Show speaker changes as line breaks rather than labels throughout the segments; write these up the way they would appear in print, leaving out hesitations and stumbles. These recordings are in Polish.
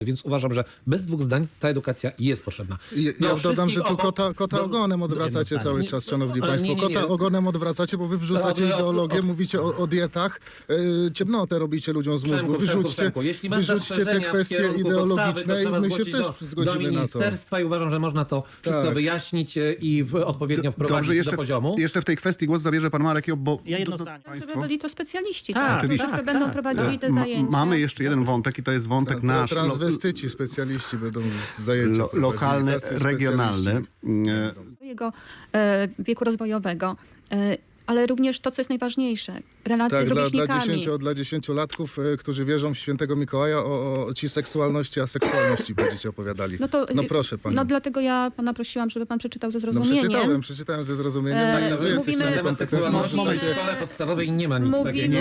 Więc uważam, że bez dwóch zdań ta edukacja jest potrzebna.
Ja dodam, że tu kota ogonem odwracacie cały czas, szanowni państwo. Kota ogonem odwracacie, bo wy wrzucacie ideologię, mówicie o dietach, ciemnotę robicie ludziom z mózgu. Wyrzućcie te kwestie ideologiczne i my się też zgodzimy na to.
Ministerstwa i uważam, że można to wszystko wyjaśnić i odpowiednio wprowadzić do poziomu.
Jeszcze w tej kwestii głos zabierze pan Marek Job, bo
Ja jedno zdanie.
Żeby byli to specjaliści,
Tak,
oczywiście.
którzy będą prowadzili te zajęcia.
mamy jeszcze jeden wątek i to jest wątek nasz.
Transwestyci, specjaliści będą zajęcia
lokalne, regionalne.
Swojego wieku rozwojowego, ale również to, co jest najważniejsze, relacje
Tak,
z rówieśnikami.
dla 10-latków, którzy wierzą w świętego Mikołaja, o ci seksualności, aseksualności będziecie opowiadali. No proszę pani.
No dlatego ja pana prosiłam, żeby pan przeczytał ze
No
zrozumieniem.
przeczytałem ze zrozumieniem.
Mówimy-
Na temat seksualności w szkole podstawowej nie ma nic
Mówimy-
takiego.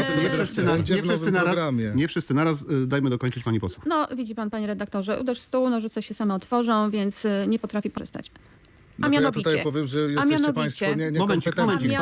Nie wszyscy naraz. Dajmy dokończyć pani poseł.
No widzi pan, panie redaktorze, uderz w stół, nożyce się same otworzą, więc nie potrafi korzystać.
No to ja tutaj powiem, że jesteście państwo niekompetentni.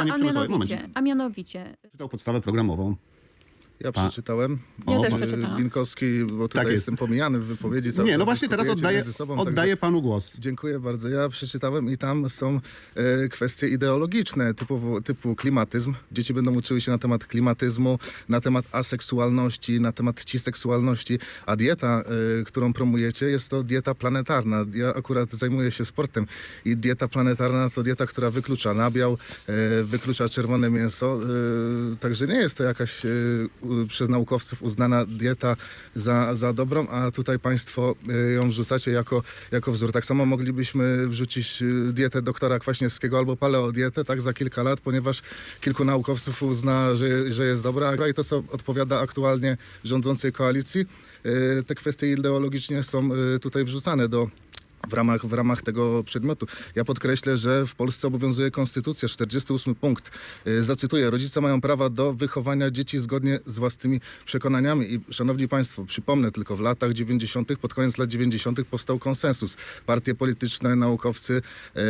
A mianowicie.
Czytał podstawę programową.
Ja przeczytałem.
Ja też przeczytałam.
Binkowski, bo tutaj
Tak jest.
jestem pomijany w wypowiedzi. Cały
Nie, no
czas
właśnie teraz
dyskutujecie między sobą,
oddaję panu głos.
Dziękuję bardzo. Ja przeczytałem i tam są kwestie ideologiczne typu klimatyzm. Dzieci będą uczyły się na temat klimatyzmu, na temat aseksualności, na temat ciseksualności, a dieta, którą promujecie, jest to dieta planetarna. Ja akurat zajmuję się sportem i dieta planetarna to dieta, która wyklucza nabiał, wyklucza czerwone mięso, także nie jest to jakaś przez naukowców uznana dieta za dobrą, a tutaj państwo ją wrzucacie jako wzór. Tak samo moglibyśmy wrzucić dietę doktora Kwaśniewskiego albo paleodietę, tak, za kilka lat, ponieważ kilku naukowców uzna, że jest dobra, i to, co odpowiada aktualnie rządzącej koalicji, te kwestie ideologicznie są tutaj wrzucane w ramach tego przedmiotu. Ja podkreślę, że w Polsce obowiązuje konstytucja, 48 punkt. Zacytuję: rodzice mają prawa do wychowania dzieci zgodnie z własnymi przekonaniami. I szanowni państwo, przypomnę tylko, w latach 90., pod koniec lat 90. powstał konsensus. Partie polityczne, naukowcy,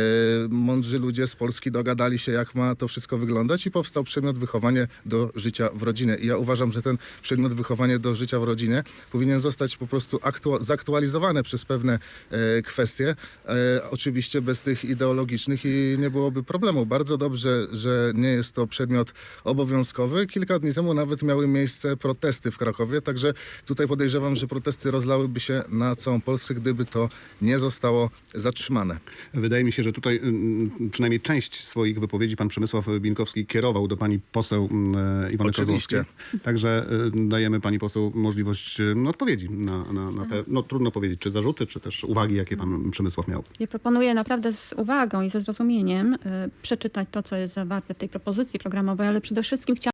mądrzy ludzie z Polski dogadali się, jak ma to wszystko wyglądać, i powstał przedmiot wychowanie do życia w rodzinie. I ja uważam, że ten przedmiot wychowanie do życia w rodzinie powinien zostać po prostu zaktualizowany przez pewne kwestie, oczywiście bez tych ideologicznych, i nie byłoby problemu. Bardzo dobrze, że nie jest to przedmiot obowiązkowy. Kilka dni temu nawet miały miejsce protesty w Krakowie, także tutaj podejrzewam, że protesty rozlałyby się na całą Polskę, gdyby to nie zostało zatrzymane.
Wydaje mi się, że tutaj przynajmniej część swoich wypowiedzi pan Przemysław Binkowski kierował do pani poseł Iwony Kozłowskiej. Także dajemy pani poseł możliwość odpowiedzi na te, no trudno powiedzieć, czy zarzuty, czy też uwagi, jakie pan Przemysław miał.
Ja proponuję naprawdę z uwagą i ze zrozumieniem przeczytać to, co jest zawarte w tej propozycji programowej, ale przede wszystkim chciałam